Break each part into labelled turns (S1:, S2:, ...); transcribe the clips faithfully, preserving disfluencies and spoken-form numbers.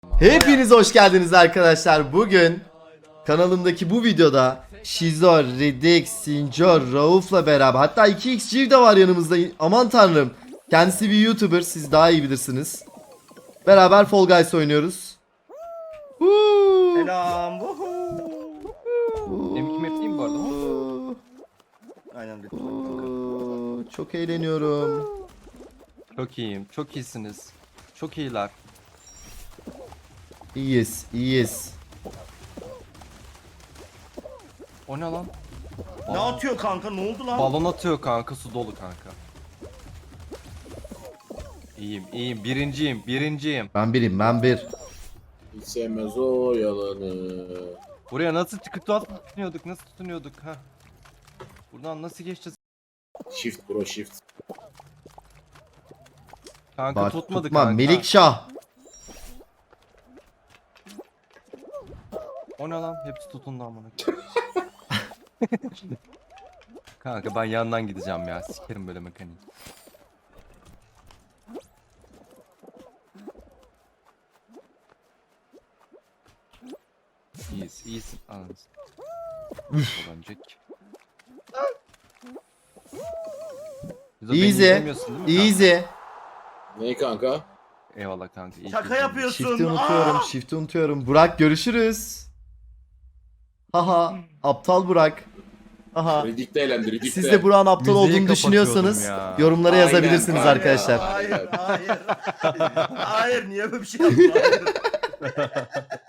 S1: Hepiniz hoş geldiniz arkadaşlar. Bugün kanalımdaki bu videoda Şizor, Riddick, Sinjor, Rauf'la beraber, hatta iki x Civ de var yanımızda. Aman tanrım. Kendisi bir YouTuber, siz daha iyi bilirsiniz. Beraber Fall Guys oynuyoruz. Huu.
S2: Selam.
S3: M iki map değil mi bu arada?
S1: Huu.
S2: Aynen.
S1: Huu. Çok eğleniyorum.
S3: Çok iyiyim. Çok iyisiniz. Çok iyiler.
S1: İyiyiz, iyiyiz.
S3: O ne lan?
S2: Ne
S3: Aa,
S2: atıyor kanka? Ne oldu lan?
S3: balon atıyor kanka. Su dolu kanka. İyiyim, iyiyim. Birinciyim, birinciyim.
S1: Ben birim, ben bir.
S4: Hiç sevmez o yalanı.
S3: Buraya nasıl çıkıp tutunuyorduk? Nasıl tutunuyorduk? Ha? Buradan nasıl geçeceğiz?
S4: Shift bro shift.
S3: Kanka
S1: Bak
S3: tutmadı
S1: tutma,
S3: kanka.
S1: Melikşah.
S3: O ne lan? Hepsi tutundu amına. Kanka ben yandan gideceğim ya. Sikerim böyle mekaniği. İyiyiz, iyisin. Anladın. Olancak.
S1: Easy, easy.
S4: Neyi kanka?
S3: Eyvallah kanka. iyi
S2: Şaka
S3: ki-
S2: yapıyorsun.
S1: Shift'i unutuyorum,
S2: Aa!
S1: shift'i unutuyorum. Burak görüşürüz. Haha, aptal Burak. Haha.
S4: Riddick de elendi Riddick
S1: Siz
S4: de.
S1: de Burak'ın aptal
S3: Müziği
S1: olduğunu düşünüyorsanız
S3: kapatıyordum ya.
S1: yorumlara
S4: Aynen,
S1: yazabilirsiniz
S4: aynen.
S1: arkadaşlar.
S2: Hayır, hayır. Hayır, niye böyle bir şey yaptın? Hayır.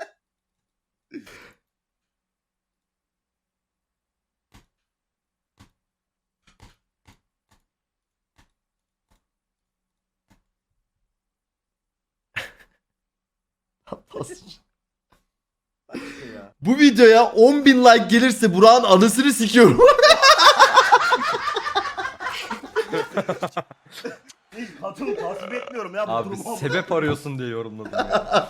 S2: Ya.
S1: Bu videoya on bin like gelirse Burak'ın anasını sikiyorum.
S2: Hiç hatun tasvip etmiyorum ya bu
S3: Abi
S2: durumu.
S3: sebep arıyorsun diye yorumladım ya.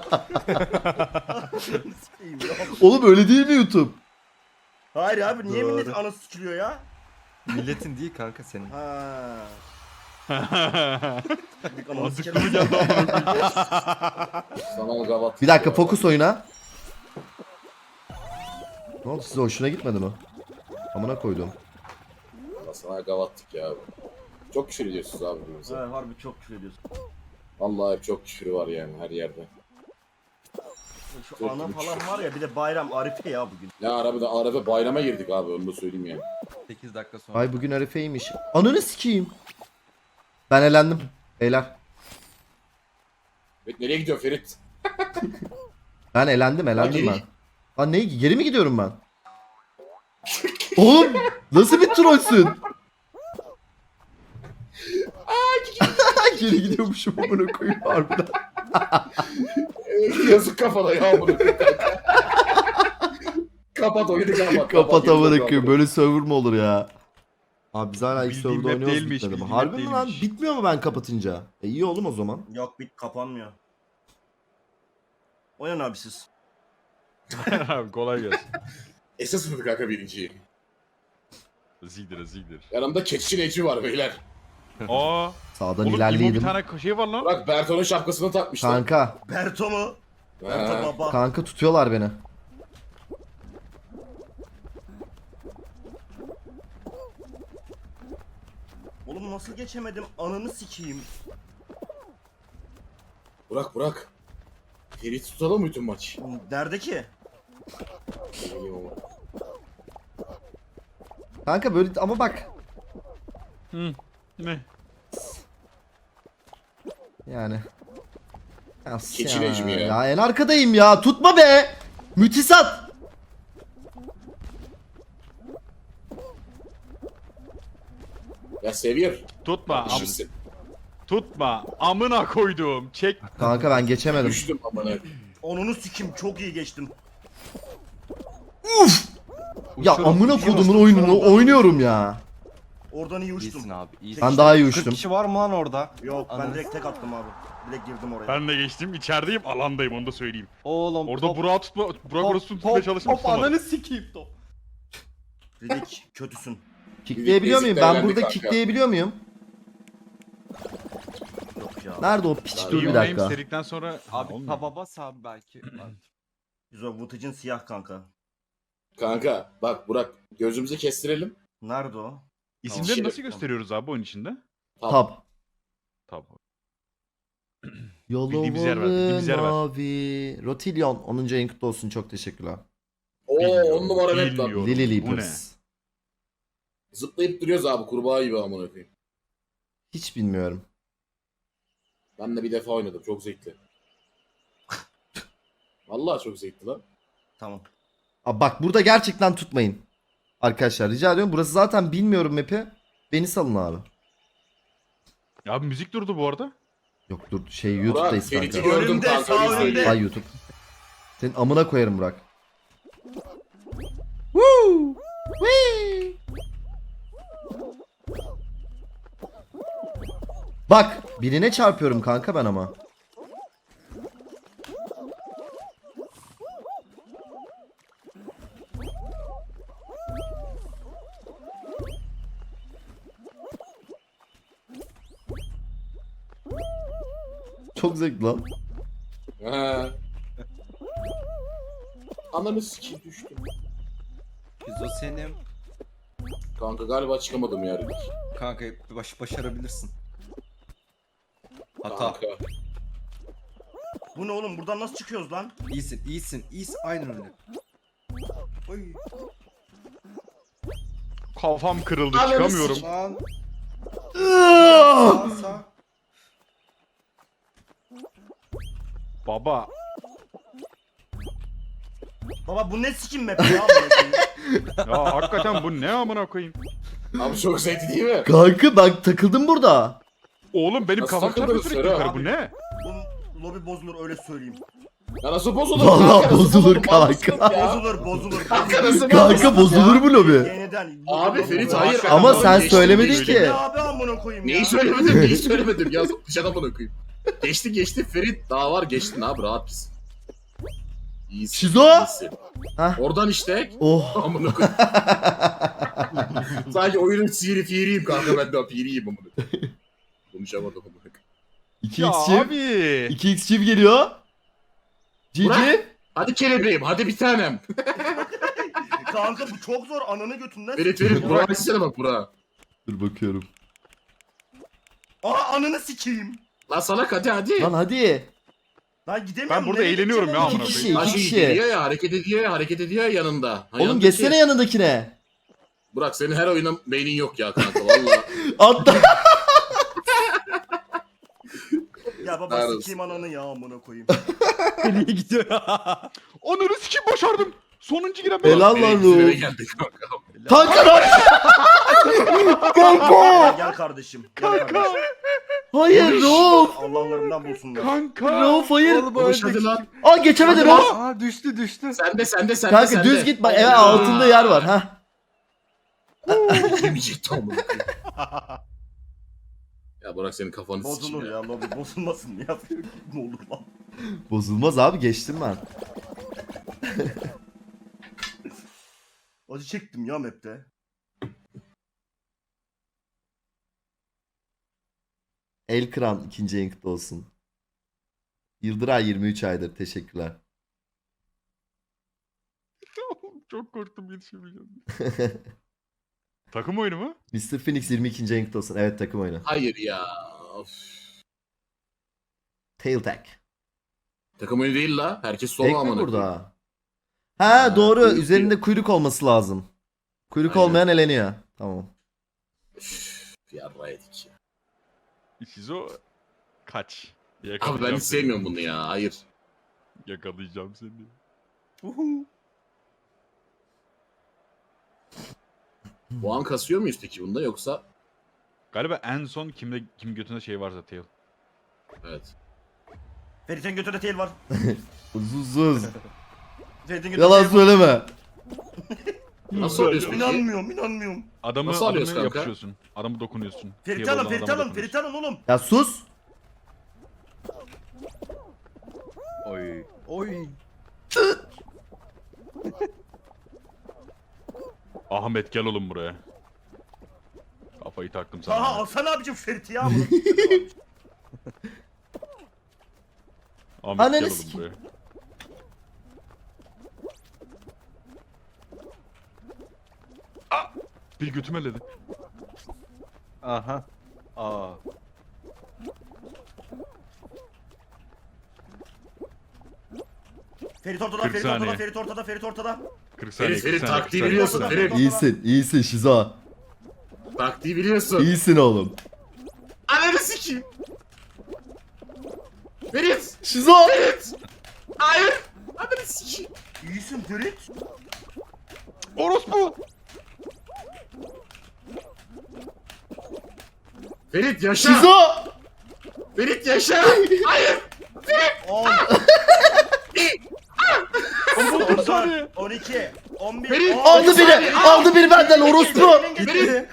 S2: Sikeyim ya.
S1: Oğlum öyle değil mi YouTube?
S2: Hayır abi niye
S3: Doğru.
S2: millet anası sikiliyor ya?
S3: Milletin değil kanka senin.
S2: Ha. Bir ananı
S5: Mantıklı
S2: sikerim.
S5: mı geldi amına
S4: Sana gavat.
S1: Bir dakika, fokus oyuna. Ne oldu, size hoşuna gitmedi mi? Amına koydum.
S4: Sana gavattık ya abi. Çok küfür ediyorsunuz abi birbirimize.
S2: Ha, harbi çok küfür ediyorsun.
S4: Vallahi hep çok küfür var yani her yerde.
S2: Şu
S4: Çok
S2: ana
S4: küfür.
S2: falan var ya bir de bayram Arife ya bugün.
S4: Ne arabada araba bayrama girdik abi onu da söyleyeyim yani.
S3: sekiz dakika sonra.
S1: Ay bugün Arife'ymiş. Ananı sikeyim. Ben elendim. Beyler.
S4: Evet, nereye gidiyor Ferit?
S1: Ben elendim, elendim
S4: Hadi.
S1: ben. Lan ne, geri mi gidiyorum ben? Oğlum nasıl bir trollsün? Geri gidiyormuşum amına koyayım harbiden.
S4: Yazık kafana ya bunu. Kapat oyunu kapat.
S1: Kapat amına
S4: kapat.
S1: koyayım, böyle server mi olur ya? Abi biz hala ilk
S5: Bildiğin
S1: serverda
S5: map
S1: oynuyoruz,
S5: değilmiş,
S1: bitmedi mi?
S5: bildiğin
S1: Harbi
S5: map
S1: mi lan?
S5: değilmiş.
S1: Bitmiyor mu ben kapatınca? E iyi oğlum o zaman.
S2: Yok bit kapanmıyor. Oynan abi siz.
S5: Abi kolay gelsin.
S4: Esas mıydı kanka birinciyi?
S5: Zigdir zigdir.
S4: Yanımda keçi Necmi var beyler.
S5: Aa.
S1: Sağdan
S5: Oğlum İmo bir
S1: ilerleyelim.
S5: tane şey var lan.
S4: Bırak Berto'nun şapkasını takmışlar.
S1: Kanka,
S2: Berto mu? Berto
S4: Ha.
S2: baba.
S1: kanka tutuyorlar beni.
S2: Oğlum nasıl geçemedim? Ananı sikeyim.
S4: Bırak bırak. Ferit tutalım mı bütün maç?
S2: Nerede ki?
S4: Ne bileyim ama.
S1: Kanka böyle ama bak.
S5: Hı. Ne?
S1: Yani. Ya,
S4: Keçi Necmi ya.
S1: Ya en arkadayım ya. Tutma be. Mütisat.
S4: Ya Seviyor.
S5: Tutma. Am
S4: Düşürsün.
S5: tutma. Amına koydum. Çek.
S1: Kanka ben geçemedim.
S4: Düştüm amına.
S2: Onunu sikeyim çok iyi geçtim.
S1: Ya
S3: Uçuyorum,
S1: amına
S3: uçuyorum.
S1: kodumun oyununu oynuyorum ya.
S2: Oradan iyi uçtum.
S3: İyisin abi, iyisin.
S1: Ben daha iyi
S3: kırk
S1: uçtum.
S3: kişi var mı lan orada?
S2: Yok ben
S3: Ananı-
S2: direkt tek attım abi. Direkt girdim oraya.
S5: Ben de geçtim. İçerideyim. Alandayım onu da söyleyeyim.
S3: Oğlum
S5: Orada
S3: top,
S5: Burak'ı tutma. Burak
S3: top,
S5: orası tutmaya
S3: top,
S5: çalıştım.
S3: top,
S5: tutamadım.
S3: ananı sikeyim top.
S2: Ridik kötüsün.
S1: Kickleyebiliyor muyum? Ben
S4: Eziklerlendi
S1: burada
S4: kanka.
S1: kickleyebiliyor muyum?
S2: Yok ya. abi.
S1: Nerede o piç?
S4: Ben
S1: Dur bir
S5: Your Name
S1: dakika.
S5: dedikten sonra
S3: Abi
S5: Olmuyor.
S3: taba bas abi belki.
S2: Biz o Vıtıcın siyah kanka.
S4: Kanka bak Burak gözümüzü kestirelim.
S2: Nerede o?
S5: İsimleri
S4: Şey-
S5: nasıl gösteriyoruz abi oyun içinde?
S1: Tab.
S5: Tabii.
S1: Yolu
S5: Bildiğimiz yer ver, bildiğimiz yer ver.
S1: mavi. Rotilyon onuncu ayın kutlu olsun. Çok teşekkürler.
S4: Oo
S5: Bilmiyorum,
S4: on numara net lan.
S5: bilmiyorum.
S1: Lily
S5: Bu ne?
S1: Leapers.
S4: Zıplayıp duruyoruz abi kurbağa gibi amına koyayım.
S1: Hiç bilmiyorum.
S4: Ben de bir defa oynadım çok zevkli. Vallahi çok zevkli lan.
S2: Tamam.
S1: Abi bak burada gerçekten tutmayın. Arkadaşlar rica ediyorum. Burası zaten bilmiyorum map'i. Beni salın abi.
S5: Ya abi müzik durdu bu arada.
S1: Yok dur şey YouTube'dayız
S4: Ferit'i
S1: kanka.
S4: gördüm
S2: Önümde,
S4: kanka.
S2: sağ
S4: öyle
S2: önümde.
S4: söyleyeyim.
S1: Ay YouTube. Senin amına koyarım Burak. Woo! Wee! Bak birine çarpıyorum kanka ben ama. Çok zevkli lan.
S4: He. Ananı sikeyim düştüm.
S3: Pizo senin.
S4: Kanka galiba çıkamadım ya Ridik.
S3: Kanka baş, başarabilirsin. Hata.
S4: Kanka.
S2: Bu ne oğlum? Buradan nasıl çıkıyoruz lan?
S3: İyisin, iyisin, iyisin. Aynen öyle. Oy.
S5: Kafam kırıldı
S4: Ananı
S5: çıkamıyorum.
S3: Lan. Sağ sağ.
S5: Baba.
S2: Baba bu ne sikim map ya? amına koyayım?
S5: Ya hakikaten bu ne amına koyayım?
S4: Abi çok zevkli değil mi?
S1: Kanka ben takıldım burada.
S5: Oğlum benim
S4: Nasıl
S5: kafam çarpıyor
S4: takıldınız
S5: sürekli
S4: Serap?
S5: yukarı bu ne?
S2: Bu lobi bozulur öyle söyleyeyim.
S4: Ya nasıl bozulur?
S1: Vallahi
S4: Kanka, nasıl
S1: bozulur
S4: bozulur? Mal mısın
S1: kanka.
S4: ya?
S2: Bozulur bozulur.
S4: Kanka nasıl
S1: Kanka bozulur mu lobi?
S2: Yeniden.
S4: Abi Ferit
S2: Bozulur.
S4: hayır.
S1: Ama
S4: Adam
S1: sen
S4: geçti,
S1: söylemedin
S4: geçti.
S1: ki.
S2: Ne abi amına koyayım ya?
S4: Neyi söylemedim neyi söylemedim ya dışarıdan amına koyayım. Geçti geçti Ferit daha var geçtin abi rahat mısın? İyisin.
S1: Şizo?
S4: iyisin.
S1: Hah.
S4: Oradan işte.
S1: Oh.
S4: Amına koyayım. Sadece oyunun sihiri firiyim kanka ben de firiyim amına koyayım. Konuşamadım amına koyayım.
S1: iki
S5: Ya
S1: x çift.
S5: abi.
S1: iki x çift geliyor. Cici.
S4: Burak. Hadi kelebeğim hadi bir tanem.
S2: Kanka bu çok zor ananı götünden.
S4: Ferit Ferit Burak'a gitsene bak Burak'a.
S1: Dur bakıyorum.
S2: Aa ananı sikeyim.
S4: Lan salak hadi hadi.
S1: Lan hadi.
S2: Lan gidemiyorum.
S5: Ben burada
S2: nereye
S5: eğleniyorum
S2: gideceğim
S5: ya
S2: amına
S5: amına
S1: İki
S2: koyayım?
S1: kişi.
S4: Lan
S1: iki
S4: şey
S1: kişi.
S4: geliyor ya hareket ediyor ya hareket ediyor ya yanında. Ha,
S1: Oğlum
S4: yanındaki-
S1: geçsene yanındakine.
S4: Burak senin her oyuna beynin yok ya kanka valla.
S1: Atla.
S2: Ya baba
S4: Neredesin?
S2: sikeyim ananı ya amına koyayım.
S3: Nereye gidiyor?
S5: Onları sikim başardım. Sonuncu giren ben.
S1: Helal lan
S4: Bizim eve
S1: Ruh.
S4: geldik kanka.
S1: Kanka lan.
S2: Gel,
S1: Kanka.
S2: gel kardeşim. Gel kardeşim.
S1: Hayır Rauf.
S2: Allah'larından bulsunlar.
S5: Kanka.
S1: Rauf hayır.
S4: Konuş hadi lan.
S1: Aa geçemedi Rauf.
S3: Aa düştü düştü.
S4: Sen de sen de sen de
S1: Kanka
S4: sen
S1: düz
S4: de.
S1: git bak evet altında yer var ha.
S4: Yemeyecekti amına koyayım. Ya Burak senin kafanı
S2: Bozulur
S4: sikeyim
S2: ya lobi bozulmasın ya. Ne olur lan.
S1: Bozulmaz abi geçtim ben.
S2: Acı çektim ya map'te.
S1: El Kıran ikinci en kutlu olsun. Yıldıray yirmi üç aydır teşekkürler.
S5: Çok korktum yetişemeyeceğim. Takım oyunu mu?
S1: mister Phoenix yirmi ikinci en kutlu olsun. Evet takım oyunu.
S4: Hayır ya. Of.
S1: Tail Tag.
S4: Takım oyunu değil la. Herkes solo
S1: Tek mi
S4: amına koyayım.
S1: burada? Ha,
S4: Ha,
S1: doğru.
S4: kuyruk
S1: Üzerinde kuyruk olması lazım. Kuyruk
S4: Aynen.
S1: olmayan eleniyor. Tamam.
S4: Üf, yarra yedik ya.
S5: Şizo kaç.
S4: Abi
S5: Yakalayacağım
S4: ben hiç
S5: seni.
S4: sevmiyorum bunu ya. Hayır.
S5: Yakalayacağım seni.
S2: Uhu.
S4: Puan kasıyor muyuz peki bunda yoksa?
S5: Galiba en son kimde kim götünde şey varsa tail.
S4: Evet.
S2: Ferit'in götünde tel var.
S1: Uzuzuz.
S2: Ferit'in götünde
S1: Yalan
S2: tel var.
S1: söyleme.
S4: Nasıl oluyorsun peki?
S2: İnanmıyorum inanmıyorum.
S5: Adamı,
S4: Nasıl alıyoruz
S5: adamı
S4: kanka?
S5: yapışıyorsun. Adamı dokunuyorsun.
S2: Ferit
S5: Tail
S2: alın
S5: olan
S2: Ferit
S5: adama
S2: alın
S5: dokunuyorsun.
S2: Ferit alın oğlum.
S1: Ya sus.
S3: Oy. Oy.
S5: Ahmet gel oğlum buraya. Kafayı taktım sana.
S2: Aha alsana abicim Ferit'i ya. Bunu-
S5: Ahmet
S1: Ananı
S5: gel oğlum
S1: sikeyim.
S5: buraya. Ah! Bir götüm elledi.
S3: Aha. Aa.
S2: Ferit ortada,
S5: kırk
S2: Ferit ortada,
S5: saniye.
S2: Ferit ortada, Ferit ortada.
S5: kırk saniye.
S4: Ferit,
S5: kırk
S4: Ferit
S5: saniye,
S4: taktiği
S5: kırk saniye.
S4: biliyorsun Ferit.
S1: İyisin, iyisin Şizo.
S4: Taktiği biliyorsun.
S1: İyisin oğlum.
S4: Ananı sikeyim. Ferit.
S1: Şizo!
S4: Hayır. Ananı sikeyim.
S2: İyisin Ferit.
S5: Orospu!
S4: Ferit yaşa.
S1: Şizo!
S4: Ferit yaşa. Hayır.
S2: on,
S5: Oğlum kırk saniye.
S2: on iki, on bir,
S4: Ferit,
S2: on.
S1: Aldı biri! Aldı biri benden orospu!
S2: Ferit.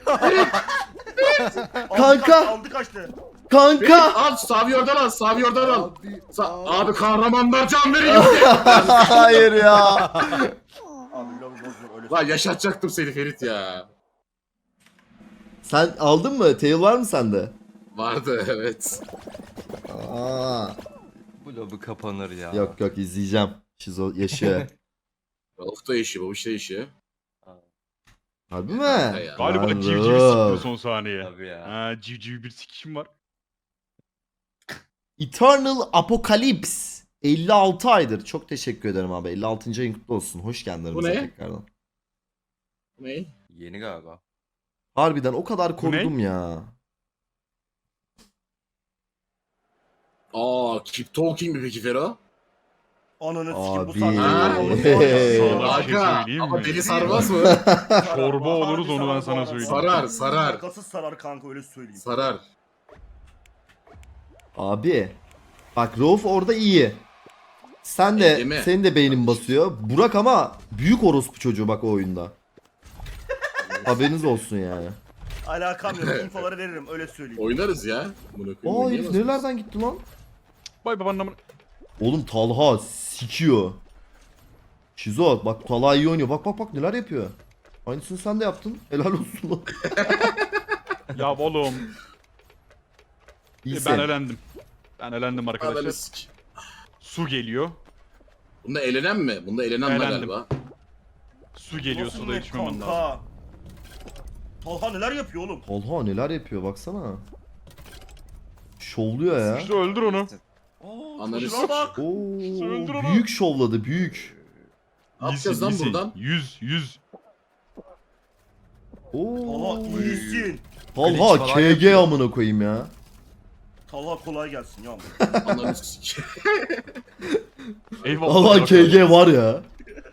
S1: Kanka!
S2: Aldı kaçtı.
S4: Ferit
S1: Kanka!
S4: al. Savi oradan al. Savi oradan al. Sa- abi kahramanlar can veriyor.
S1: Hayır ya.
S2: Abi lobi bozuyor öyle.
S4: Lan yaşatacaktım seni Ferit ya.
S1: Sen aldın mı? Tail var mı sende?
S4: Vardı evet.
S1: Aa.
S3: Bu lobi kapanır ya.
S1: Yok yok izleyeceğim. Şizo yaşıyor.
S4: Rauf da yaşıyor, babuş da yaşıyor.
S1: Harbi mi?
S4: ya.
S5: Galiba
S1: Lan
S5: civciv
S1: Rauf.
S5: siktir son saniye.
S3: Tabii ya.
S5: Ha, civciv bir sikişim var.
S1: Eternal Apocalypse. elli altı aydır. Çok teşekkür ederim abi. elli altıncı ayın kutlu olsun. Hoş geldin
S4: Bu
S1: aramıza
S4: ne?
S1: tekrardan.
S4: Ne?
S3: Yeni galiba.
S1: Harbiden o kadar
S5: Bu
S1: korudum ya.
S4: Aa, keep talking mi peki Fero?
S2: Ananı sikim bu
S1: Abi.
S2: saatte.
S4: Ha?
S2: Onu var ya.
S5: Sana bir şey
S4: Aga,
S5: söyleyeyim
S4: ama
S5: mi?
S4: deli sarmaz mı?
S5: Çorba
S2: Harbi
S5: oluruz, onu ben
S2: sarar
S5: sana
S2: bu arada.
S5: söyleyeyim.
S4: Sarar, sarar.
S2: Şakasız sarar kanka öyle söyleyeyim.
S4: Sarar.
S1: Abi. Bak Rauf orada iyi. Sen de
S4: Değil mi?
S1: senin de beynin basıyor. Burak ama büyük orospu çocuğu bak o oyunda. Haberiniz olsun yani.
S2: Alakam yok. İnfoları veririm öyle söyleyeyim.
S4: Oynarız ya. Bunu
S1: Aa
S4: koyayım,
S1: herif
S4: oynayamaz
S1: nerelerden gitti lan?
S5: Bay babanın amına.
S1: Oğlum Talha sikiyor. Şizo bak Talha iyi oynuyor. Bak bak bak neler yapıyor. Aynısını sen de yaptın. Helal olsun lan.
S5: Ya oğlum. e,
S1: İyisin.
S5: ben elendim. Ben elendim
S4: mısın? Ananı
S5: arkadaşlar.
S4: sik.
S5: Su geliyor.
S4: Bunda elenen mi? Bunda elenen var
S5: Elendim.
S4: galiba.
S5: Su geliyor,
S2: Nasıl
S5: suda
S2: net
S5: içmem lazım.
S2: kanka? Talha neler yapıyor oğlum?
S1: Talha neler yapıyor baksana. Şovluyor ya.
S5: İşte öldür onu.
S2: Aa,
S4: Ananı
S2: çocuğa bak.
S1: Oo,
S5: Öldür onu.
S1: büyük şovladı büyük.
S4: Ne yapacağız lan buradan?
S5: Yüz, yüz.
S1: Oo.
S2: Talha iyisin.
S1: Talha
S3: Glitch falan
S1: K G amına koyayım ya.
S2: Talha kolay gelsin ya.
S4: Ananı sik.
S5: Eyvallah.
S1: Talha K G var ya.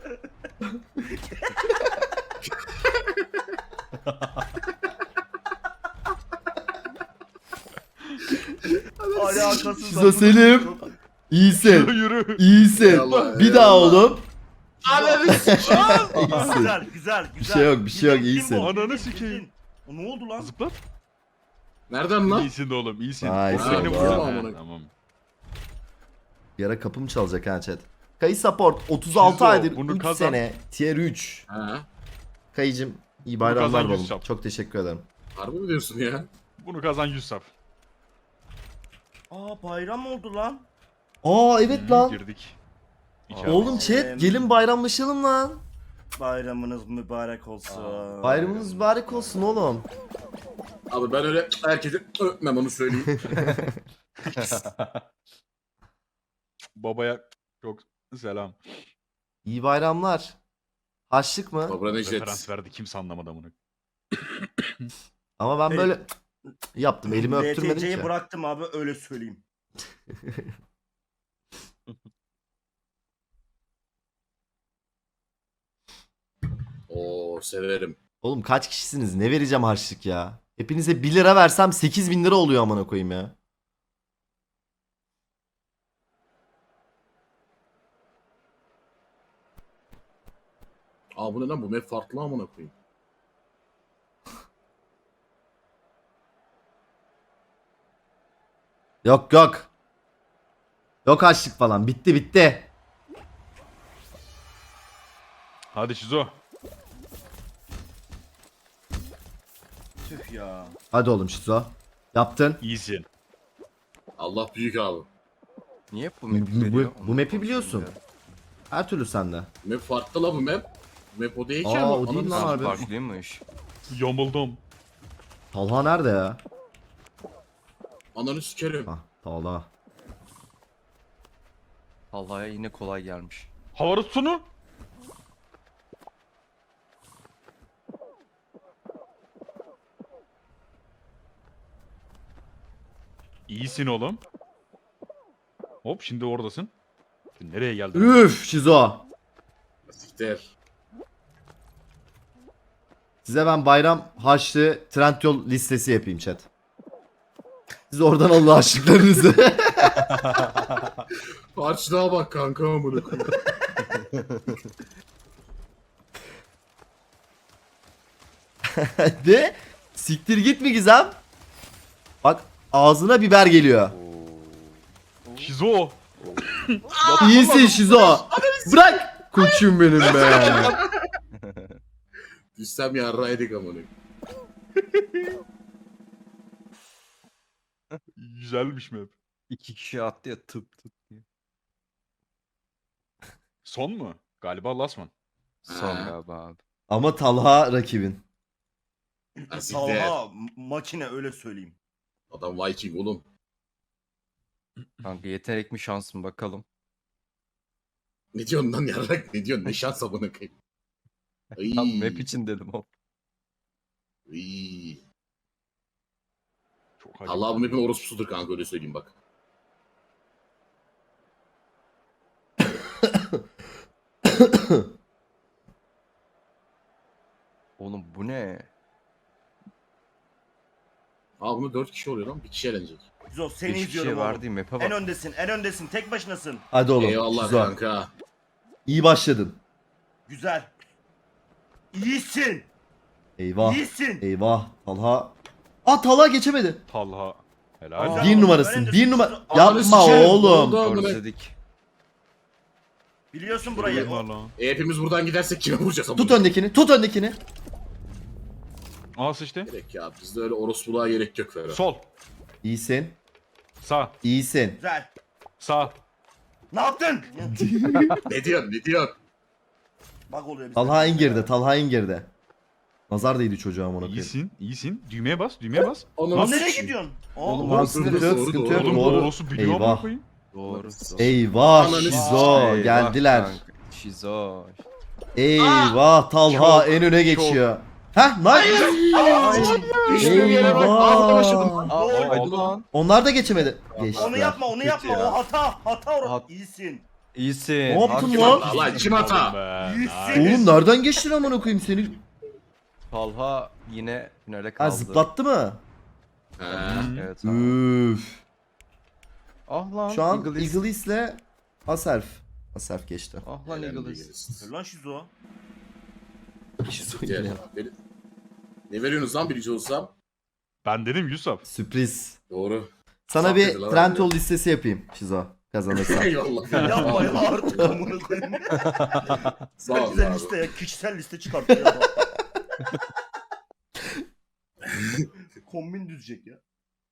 S2: Alakasız.
S1: Şizo Selim.
S5: Yürü
S1: İyisin.
S5: yürü.
S1: İyisin.
S4: Eyvallah,
S1: Bir daha
S4: eyvallah.
S1: oğlum.
S4: Ananı sik.
S1: İyisin.
S2: Güzel güzel güzel.
S1: Bir şey yok, bir şey yok,
S2: Bildin,
S1: iyisin.
S2: bildin,
S5: Ananı
S2: bildin,
S5: sikeyim.
S2: bildin. O ne oldu lan?
S5: Zıplat.
S4: Nereden lan?
S5: İyisin de oğlum, iyisin.
S1: Nice
S5: O seni
S1: oldu.
S5: vurdu.
S4: Tamam,
S5: Ha,
S4: onu-
S5: Tamam.
S1: Bir ara kapım çalacak ha chat. Kayı support otuz altı
S5: Şizo,
S1: aydır
S5: bunu
S1: üç
S5: kazan.
S1: sene tier üç.
S4: Ha.
S1: Kayıcım iyi
S5: kazan
S1: bayramlar
S5: yüz
S1: babam.
S5: sap.
S1: Çok teşekkür ederim.
S4: Harbi mi diyorsun ya?
S5: Bunu kazan yüz sap.
S2: Aa bayram oldu lan.
S1: Aa evet
S5: Hı,
S1: lan.
S5: Girdik. İçeri.
S1: Oğlum chat gelin bayramlaşalım lan.
S2: Bayramınız mübarek olsun.
S1: Bayramınız mübarek olsun oğlum.
S4: Abi ben öyle herkese öpmem onu söyleyeyim.
S5: Babaya çok selam.
S1: İyi bayramlar. Haçlık mı?
S4: Kobra Necdet.
S5: Referans verdi, kimse anlamadı bunu.
S1: Ama ben
S2: Evet.
S1: böyle yaptım. Elimi
S2: D T
S1: öptürmedim
S2: C'yi
S1: ki.
S2: bıraktım abi öyle söyleyeyim.
S4: Oo severim.
S1: Oğlum kaç kişisiniz? Ne vereceğim harçlık ya? Hepinize bir lira versem sekiz bin lira oluyor amına koyayım ya.
S4: Aa bu ne lan, bu map farklı amına koyayım.
S1: Yok yok. Yok harçlık falan. Bitti bitti.
S5: Hadi Şizo.
S2: Tüh ya.
S1: Hadi oğlum Şizo. Yaptın.
S5: İyisin.
S4: Allah büyük abi.
S3: Niye bu
S1: Bu,
S3: map'i
S1: bu,
S3: veriyor?
S1: bu map'i biliyorsun. Her türlü sende.
S4: Map farklı la bu map. Map o değil ki
S1: Aa,
S4: ama.
S1: o değil
S4: Ananı
S1: lan
S4: s-
S1: harbi.
S3: Farklıymış.
S5: Yomuldum.
S1: Talha nerede ya?
S4: Ananı sikerim.
S1: Hah Talha.
S3: Allah'a yine kolay gelmiş.
S5: Havalı sunu. İyisin oğlum. Hop şimdi oradasın. Şimdi nereye geldin?
S1: Üf Şizo.
S4: Siktir.
S1: Size ben bayram harçlı Trendyol listesi yapayım chat. Siz oradan alın harçlıklarınızı.
S4: Harçlığa bak kanka amına koyayım.
S1: De siktir git mi Gizem? Bak ağzına biber geliyor.
S5: Şizo.
S1: İyisin Şizo. Bırak. Koçum benim be.
S4: Düşsem yarraydık amına koyayım.
S5: Güzelmiş map.
S3: İki kişi attı ya tıp tıp diye.
S5: Son mu? Galiba last one.
S3: Son
S4: Ha.
S3: galiba abi.
S1: Ama Talha rakibin.
S4: Ha, siktir.
S2: Talha m- makine öyle söyleyeyim.
S4: Adam Viking oğlum.
S3: Kanka yetenek mi şans mı bakalım.
S4: Ne diyorsun lan yarrak? Ne diyorsun? Ne şans amına koyayım. Ay.
S3: Tam map için dedim o.
S4: Ay.
S5: Çok acayip.
S4: Allah bu map'in orospusudur kanka öyle söyleyeyim bak.
S3: Oğlum bu ne?
S4: Aa bunu dört kişi oluyor lan. Bir kişi eğlenecek.
S2: Zo seni
S3: Beş
S2: izliyorum
S3: kişiye
S2: oğlum.
S3: verdiğim map'e
S2: En
S3: bak.
S2: öndesin, en öndesin. Tek başınasın.
S1: Hadi oğlum.
S4: Eyvallah
S1: Şizo.
S4: kanka.
S1: İyi başladın.
S2: Güzel. İyisin.
S1: Eyvah.
S2: İyisin.
S1: Eyvah. Talha. Aa Talha geçemedi.
S5: Talha. Helal.
S2: Aa.
S1: Bir
S2: oğlum,
S1: numarasın.
S2: öğrenci
S1: Bir
S2: sus-
S1: numara.
S2: Ananı
S1: Yapma
S4: sikerim.
S1: oğlum.
S4: Oldu.
S3: Özledik.
S2: Biliyorsun burayı.
S5: Eyvah lan.
S4: E, hepimiz buradan gidersek kime vuracağız amına
S1: Tut
S4: koyayım?
S1: öndekini. Tut öndekini.
S5: Aa sıçtı.
S4: Gerek ya. Bizde öyle orospuluğa gerek yok Ferhat.
S5: Sol.
S1: İyisin.
S5: Sağ.
S1: İyisin.
S2: Güzel.
S5: Sağ.
S2: Ne yaptın?
S4: Ne diyorsun? Ne diyorsun?
S2: Bak oluyor bize.
S1: Talha en geride. Talha en geride. Nazar değdi çocuğa amına koyayım.
S5: İyisin. İyisin. Düğmeye bas. Düğmeye bas.
S4: Ananı
S2: Lan
S4: sikeyim.
S2: nereye gidiyorsun? Aa,
S3: Oğlum,
S1: Tamam,
S3: Doğru,
S1: sıkıntı
S4: doğru,
S1: yok,
S4: doğru,
S1: sıkıntı
S4: doğru.
S1: yok.
S5: Oğlum
S1: Doğru.
S5: doğrusu biliyor amına
S1: Eyvah.
S5: koyayım.
S3: Doğru.
S1: Eyvah
S4: Ananı
S1: Şizo
S3: Eyvah
S1: geldiler.
S3: kanka. Şizo.
S1: Eyvah Talha
S5: Çok,
S1: en öne geçiyor. Heh nice.
S4: Düştüğüm yere bak. Ağzına başladım.
S1: Eyvah.
S3: Aa,
S2: Doğru.
S3: oldu lan.
S1: Onlar da geçemedi.
S2: Onu
S1: Geçtiler.
S2: yapma, onu yapma.
S3: ya.
S2: O hata, hata orası.
S3: Hat-
S2: İyisin.
S3: İyisin.
S1: Ne yaptın
S3: Hakim
S1: lan?
S3: ol.
S4: Lan kim hata?
S5: Be,
S2: İyisin.
S5: nice.
S1: Oğlum nereden geçtin amına koyayım seni?
S3: Talha yine finale
S1: Ha
S3: kaldı.
S1: zıplattı mı?
S4: He.
S3: Evet abi.
S1: Üf.
S3: Ah lan.
S1: Şu an
S3: Eagleist.
S1: Eagleist'le Aserf. Aserf geçti.
S3: Ah lan
S4: Helal
S3: Eagleist.
S2: Dur lan Şizo.
S4: Diğer- Beni- Ne veriyorsunuz lan birinci olsam?
S5: Ben dedim Yusuf.
S1: Sürpriz.
S4: Doğru.
S1: Sana
S4: Saf
S1: bir
S4: dedi lan
S1: Trendyol listesi yapayım Şizo kazanırsan.
S4: Eyvallah.
S2: Yapma ya artık amına koyayım.
S4: Sağ
S2: Sen
S4: ol
S2: güzel
S4: abi.
S2: liste ya, kişisel liste çıkartıyor ya. Kombin düzecek ya.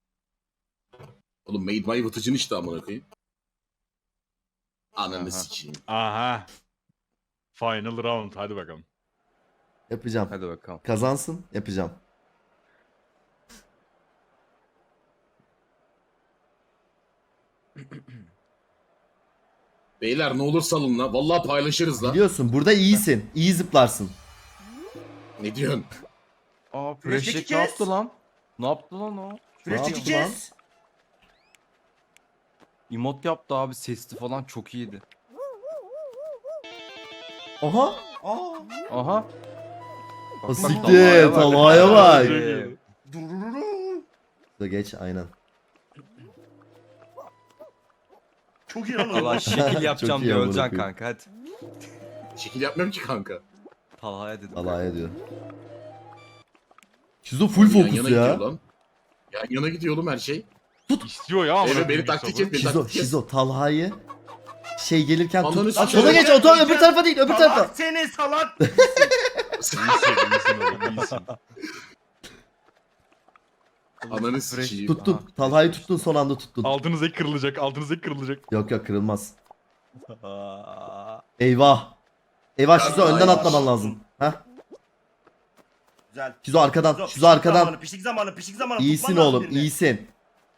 S4: Oğlum Made My Vıtıcın işte amına koyayım.
S3: Aha.
S4: Ananı sikeyim.
S5: Aha. Final round. Hadi bakalım.
S1: Yapacağım.
S3: Hadi bakalım.
S1: Kazansın yapacağım.
S4: Beyler ne olur salın la. Vallahi paylaşırız la.
S1: Biliyorsun burada iyisin. İyi zıplarsın.
S4: Ne diyorsun?
S3: Aa
S2: Flash
S3: Freshek ne
S2: çekeceğiz.
S3: yaptı lan? Ne yaptı lan o?
S2: Süreç
S1: yaptı
S2: çekeceğiz.
S3: Emot yaptı abi sesli falan çok iyiydi.
S1: Aha.
S2: Aa.
S3: Aha.
S1: O
S3: Bak,
S1: siktir. Talha'ya bak.
S3: Ee,
S2: Durururu.
S1: Da geç aynen.
S2: Çok iyi lan o.
S3: Allah şekil yapacağım
S1: Çok iyi
S3: diye
S1: amına
S3: öleceksin
S1: koyayım.
S3: kanka hadi.
S4: Şekil yapmıyorum ki kanka.
S3: Talha'ya dedim.
S1: Talha'ya diyor. Şizo full
S4: Yan
S1: fokus
S4: yana
S1: ya.
S4: gidiyor lan. Yan yana gidiyor oğlum her şey.
S5: İstiyor ya. amına
S4: Evet beni
S5: koyayım
S4: taktik
S5: Yusuf'u.
S4: et beni
S1: Şizo,
S4: taktik et.
S1: Şizo Talha'yı şey gelirken
S4: Ananı
S1: tut.
S4: sikeyim.
S1: Sola geç, oto öbür tarafa değil, öbür tarafa.
S2: Salak seni salak.
S5: İyisin, iyisin oğlum, iyisin.
S4: Ananı sikeyim.
S1: Tuttun. Talha'yı tuttun, son anda tuttun.
S5: Altınız ek kırılacak. Altınız ek kırılacak.
S1: Yok yok, kırılmaz.
S3: Aa,
S1: Eyvah. Eyvah Şizo,
S4: Ay,
S1: önden
S4: ay.
S1: atlaman lazım. Heh.
S2: Güzel.
S1: Şizo arkadan.
S2: Şizo,
S1: Şizo
S2: pişik
S1: arkadan.
S2: zamanı, pişik zamanı, pişik zamanı.
S1: İyisin
S2: Tutman lazım
S1: oğlum,
S2: birini.
S1: iyisin.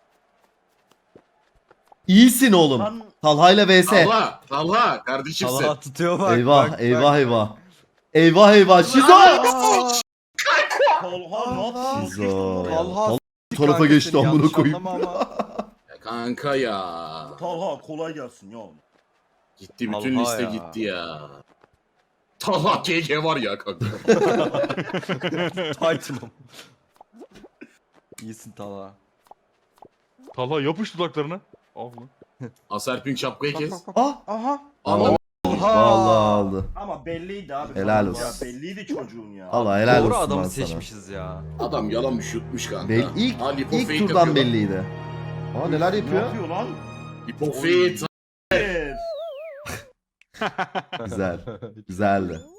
S1: İyisin oğlum.
S2: Lan
S1: Talha ile vs.
S4: Talha, Talha kardeşimsin.
S3: Allah tutuyor bak.
S1: Eyvah,
S3: bak,
S1: eyvah,
S3: bak.
S1: eyvah. Eyvah eyvah. Şizo!
S2: Talha ne yapıyorsun?
S1: Şizo.
S3: Talha
S1: Talha
S3: s**t
S1: tarafa
S3: kanka
S1: geçti,
S3: seni,
S1: amına
S3: yanlış
S1: koyayım.
S3: anlama ama.
S4: Ya kanka ya.
S2: Talha kolay gelsin ya.
S4: Gitti bütün
S3: Talha
S4: liste
S3: ya.
S4: gitti ya. Talha K K var ya kanka.
S3: Titan'ım. İyisin Talha.
S5: Talha yapış dudaklarına. Ah lan.
S4: Aserpin şapkayı kes.
S1: Ah!
S3: Aha.
S4: Anam.
S1: Vallahi aldı.
S2: Ama belliydi abi.
S1: Helal
S2: Ya,
S1: olsun.
S2: belliydi çocuğun ya.
S1: Allah helal
S3: Doğru
S1: olsun
S3: adamı
S1: lan sana.
S3: seçmişiz ya.
S4: Adam yalanmış yutmuş kanka.
S1: Bel- ilk,
S4: Ha, lipo
S1: ilk
S4: fake
S1: turdan
S4: yapıyor lan.
S1: belliydi. Aa neler
S2: Ne
S1: yapıyor?
S2: yapıyor lan?
S4: Lipo fake.
S2: Evet.
S1: Güzel. Güzeldi.